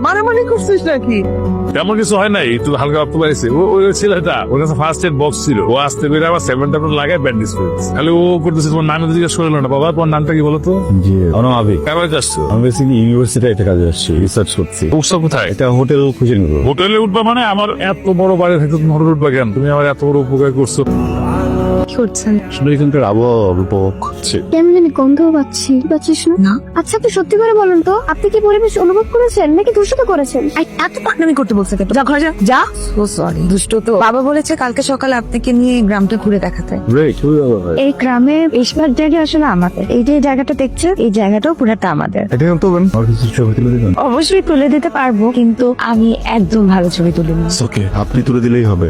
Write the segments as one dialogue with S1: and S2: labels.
S1: মারামারি করছিস নাকি?
S2: তেমন কিছু হয় নাই, একটু হালকা রক্ত পাইছে। ওই ছেলেটা ওর কাছে ফার্স্ট এড বক্স ছিল, ও আসতে করে আবার 7 লাগায় ব্যান্ডেজ করেছে। তাহলে ও করতেছে, তোমার নাম জিজ্ঞেস করলো না। বাবা তোমার নামটা কি বলো তো?
S3: জি আমার নাম আবি।
S2: কেমন আসছো?
S3: আমি বেসিক্যালি ইউনিভার্সিটি একটা কাজে আসছি, রিসার্চ করছি।
S2: উৎসব কোথায়?
S3: এটা হোটেল খুঁজে নিব।
S2: হোটেলে উঠবা মানে? আমার এত বড় বাড়ি থাকতে তুমি হোটেলে উঠবা কেন? তুমি আমার এত বড় উপকার করছো।
S4: কি করছেন?
S3: আসলে এখানকার আবহাওয়া উপভোগ করছি।
S4: কেমন জানি গন্ধও পাচ্ছিস না? আচ্ছা আপনি সত্যি করে বলুন তো, আপনি কি পরিবেশ অনুভব করেছেন নাকি দূষিত করেছেন?
S1: এত পাকনামি করতে বলছে কেন? যা ঘরে যা। ও সরি, দুষ্ট তো। বাবা বলেছে কালকে সকালে আপনাকে নিয়ে গ্রামটা ঘুরে দেখাতে।
S4: এই গ্রামে বেশিরভাগ জায়গা আসলে আমাদের। এই যে জায়গাটা দেখছেন, এই জায়গাটাও পুরাটা আমাদের।
S3: এটা তো আমার কিছু ছবি তুলে দিবেন?
S4: অবশ্যই তুলে দিতে পারবো, কিন্তু আমি একদম ভালো ছবি তুলিনি।
S3: ওকে, আপনি তুলে দিলেই হবে।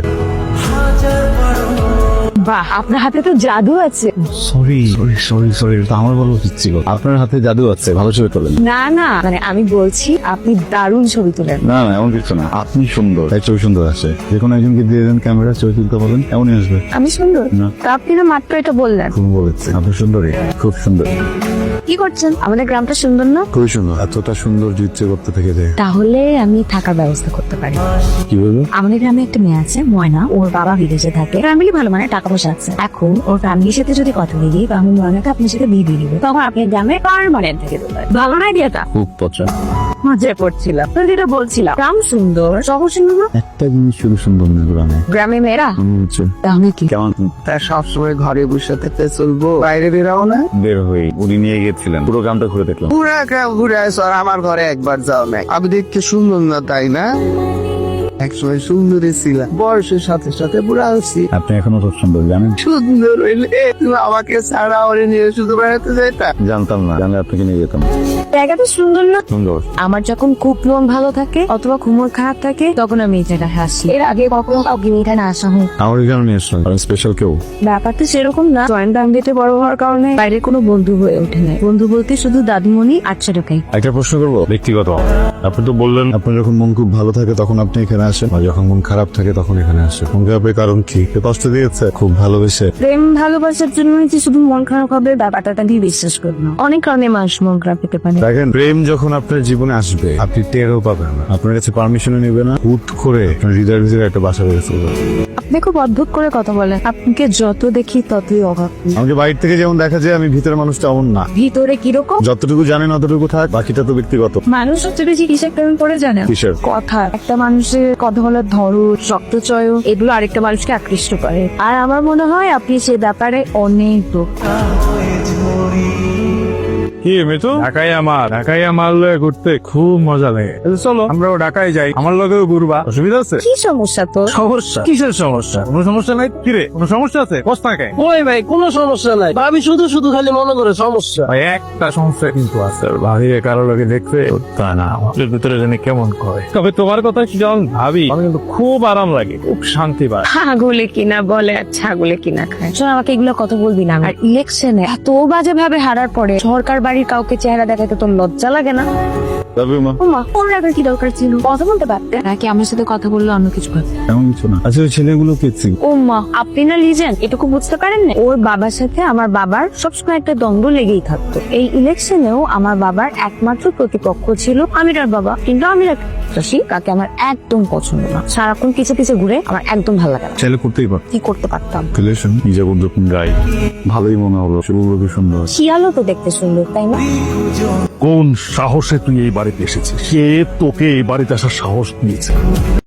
S4: বাহ, আপনার হাতে তো জাদু আছে।
S3: সরি এটা আমার বলা উচিত ছিল। আপনার হাতে জাদু আছে, ভালো ছবি তোলেন।
S4: না মানে আমি বলছি আপনি দারুণ ছবি তোলেন।
S3: না এমন কিছু না, আপনি সুন্দর তাই ছবি সুন্দর আসে। যে কোনো একজনকে দিয়ে দেন ক্যামেরা, ছবি তুলতে বলেন, এমনই আসবে।
S4: আমি সুন্দর?
S3: না।
S4: তা আপনি না মাত্র এটা বললেন।
S3: খুব বলেছে, আপনি সুন্দরী, খুব সুন্দর।
S4: কি করছেন? আমাদের গ্রামটা সুন্দর না?
S3: খুবই সুন্দর, এতটা সুন্দর যে ইচ্ছে করতে থেকে যায়।
S4: তাহলে আমি থাকার ব্যবস্থা করতে পারি।
S3: কি বলবো?
S4: আমাদের গ্রামে একটা মেয়ে আছে ময়না, ওর বাবা বিদেশে থাকে। ফ্যামিলি ভালো, মানে টাকা পয়সা আছে। এখন ওর ফ্যামিলির সাথে যদি কথা বলি, তাহলে ময়নাকে আপনার সাথে বিয়ে দিয়ে দিবে, তখন আপনি গ্রামে পার্মানেন্ট থেকে দেবেন। ভালো না আইডিয়াটা?
S3: খুব পছন্দ।
S4: মজা করছিলাম, যেটা বলছিলাম গ্রাম সুন্দর, শহর সুন্দর না।
S3: একটা জিনিস শুধু সুন্দর না গ্রামে,
S4: গ্রামে মেয়েরা
S3: হচ্ছে
S4: তাহলে কি?
S3: কেমন
S1: তা সবসময় ঘরে বসে থাকতে চলবো? বাইরে বেরাও না?
S3: বের হয়ে উনি নিয়ে গিয়েছিলেন, পুরো গ্রামটা ঘুরে দেখলাম।
S1: পুরা গ্রাম ঘুরে আসো আর আমার ঘরে একবার যাও না। আমি দেখতে সুন্দর না তাই না? একসময় সুন্দরী ছিলাম, বয়সের সাথে সাথে বুড়া হচ্ছি।
S3: আপনি এখনো খুব সুন্দর, জানেন?
S1: সুন্দর হইলে তুমি আমাকে ছাড়া ওরে নিয়ে শুধু বেড়াতে যাইতা?
S3: জানতাম না, জানলে আপনাকে নিয়ে যেতাম।
S4: জায়গাটা সুন্দর না?
S3: সুন্দর।
S4: আমার যখন খুব মন ভালো থাকে অথবা ঘুমোর খারাপ থাকে, তখন আমি এই জায়গায় হাসি। এর আগে কখনো কাউকে নিয়ে এখানে আসা হয়?
S3: আমার এখানে নিয়ে আসলাম, কারণ স্পেশাল কেউ।
S4: ব্যাপারটা সেরকম না। জয়েন্ট ফ্যামিলিতে বড় হওয়ার কারণে বাইরে কোনো বন্ধু হয়ে ওঠে না। বন্ধু বলতে শুধু দাদিমণি আর ছোটকাই।
S3: একটা প্রশ্ন করবো
S2: ব্যক্তিগত, আপনি তো বললেন
S3: আপনার যখন মন খুব ভালো থাকে তখন আপনি এখানে আসেন, আর যখন মন খারাপ থাকে তখন এখানে আসেন। মন খারাপের কারণ কি? কেউ কষ্ট দিয়েছে? খুব ভালোবেসে?
S4: প্রেম ভালোবাসার জন্য যে শুধু মন খারাপ হবে, ব্যাপারটা দিয়ে বিশ্বাস করি না। অনেক কারণে মানুষ মন খারাপ পেতে পারে।
S3: দেখেন, প্রেম যখন আপনার জীবনে আসবে আপনি টেরও পাবেন না, আপনার কাছে পারমিশনও নেবে না, হুট করে আপনার হৃদয়ের ভিতরে একটা বাসা বেড়ে চলবে।
S4: আপনি খুব অদ্ভুত করে কথা বলেন। আপনাকে যত দেখি ততই অভাব।
S3: আমাকে বাইরে থেকে যেমন দেখা যায়, আমি ভিতরে মানুষটা এমন না।
S4: ভিতরে কিরকম?
S3: যতটুকু জানেন অতটুকু থাক, বাকিটা তো ব্যক্তিগত।
S4: মানুষ সবচেয়ে বেশি কিসের প্রেম করে জানেন?
S3: কিসের?
S4: কথা। একটা মানুষের কথা বলার ধরন, শক্তচয়, এগুলো আরেকটা মানুষকে আকৃষ্ট করে। আর আমার মনে হয় আপনি সে ব্যাপারে অনেক দক্ষ।
S2: কি মেতো? ঢাকায় আমার লয়ে ঘুরতে খুব মজা লাগে। চলো আমরাও ঢাকায় যাই, আমার লগেও ঘুরবা। অসুবিধা আছে?
S4: কি সমস্যা তো?
S2: সমস্যা? কিসের সমস্যা? কোনো সমস্যা নাই। কিরে, কোনো সমস্যা আছে? বস্তা খায়
S1: ওই ভাই কোনো সমস্যা নাই, ভাবি শুধু শুধু খালি মনে করে সমস্যা।
S2: ভাই, একটা সমস্যা কিন্তু আছে। ভাবিরে কারো লোকে দেখতে তা না, আমাদের ভিতরে জানি কেমন করে। তবে তোমার কথা যখন ভাবি, আমার কিন্তু খুব আরাম লাগে, খুব শান্তি পায়।
S4: ছাগলে কিনা বলে আর ছাগলে কিনা খায়। শোন, আমাকে এগুলো কথা বলবি না। আর ইলেকশনে এত বাজে ভাবে হারার পরে সরকার বাড়ির কাউকে চেহারা দেখাতে তোর লজ্জা লাগে না? ওমা, ওর রাখার কি দরকার ছিল? কথা বলতে পারতে নাকি? আমার সাথে কথা বললে অন্য কিছু ভাবতে।
S3: এমন কিছু না। আচ্ছা, ওই ছেলেগুলো পেয়েছি।
S4: ওমা, আপনি না লিজেন্ড, এটুকু বুঝতে পারেন না? ওর বাবার সাথে আমার বাবার সবসময় একটা দ্বন্দ্ব লেগেই থাকতো। এই ইলেকশনেও আমার বাবার একমাত্র প্রতিপক্ষ ছিল আমিরার বাবা। কিন্তু আমিরা কাকে আমার একদম পছন্দ না। সারাক্ষণ পিছে পিছে ঘুরে, আমার একদম ভালো লাগে না।
S3: ছেলে করতেই পার।
S4: কি করতে পারতাম?
S3: রিলেশন নিজে যখন গাই ভালোই মনে হলো, সেগুলো সুন্দর।
S4: শিয়ালও তো দেখতে সুন্দর, তাই না?
S2: কোন সাহসে তুই এই বাড়িতে এসেছিস? কে তোকে এই বাড়িতে আসার সাহস দিয়েছে?